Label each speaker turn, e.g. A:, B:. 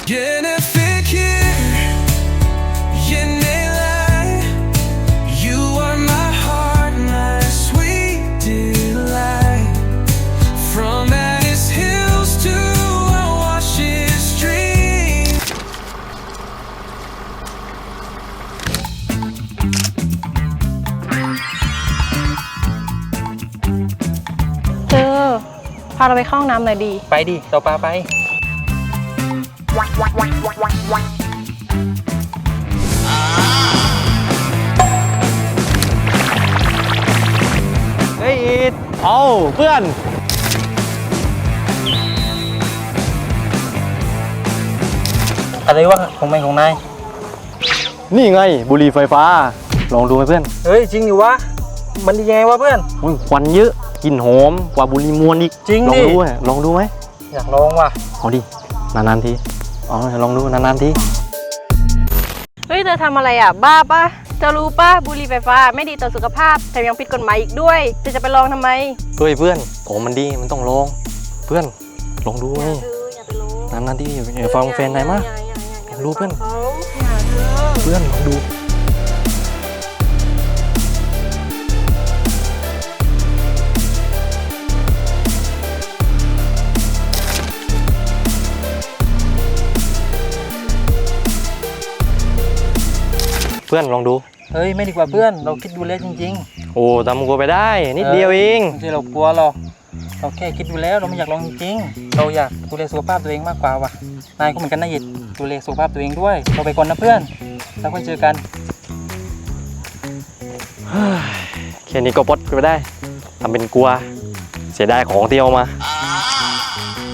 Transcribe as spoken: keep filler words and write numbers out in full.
A: พาเราไปเข้าห้องน้ำหน่อยดี
B: ไปดิเราปาไปเฮ้ยอีดเอาเพื่อนอะไรวะของไม่ของนาย
C: นี่ไงบุหรี่ไฟฟ้าลองดูไหมเพื่อน
B: เฮ้ยจริงอยู่วะมันยังไงวะเพื่อน
C: ควันเยอะกลิ่นหอมกว่าบุหรี่มวนอีก
B: จริง
C: ดิลองดูลองดูไหม
B: อยากลองว่ะ
C: เอาดินานๆทีเอาลองดูนานๆที
A: เฮ้ยเธอทำอะไรอ่ะบ้าปะเธอรู้ปะบุหรี่ไฟฟ้าไม่ดีต่อสุขภาพแถมยังผิดกฎหมายอีกด้วยเธอจะไปลองทำไม
C: เฮ้ยเพื่อนของมันดีมันต้องลองเพื่อนลองดูไงนานๆทีอย่าฟังแฟนนายมากลองดูเพื่อนเพื่อนลองดูเพื่อนลองดู
B: เฮ้ยไม่ดีกว่าเพื่อนเราคิดดูแล้วจริง
C: ๆโอ้ทำกลัวไปได้นิดเดียวเอง
B: ไม่ใช่เรากลัวหรอกเราแค่คิดดูแล้วเราไม่อยากลองจริงๆเราอยากดูแลสุขภาพตัวเองมากกว่าว่ะนายก็เหมือนกันนะหยิดดูแลสุขภาพตัวเองด้วยเราไปก่อนนะเพื่อนแล้วค่อยเจอกัน
C: แค่นี้ก็ปลดไปได้ทำเป็นกลัวเสียดายของที่เอามา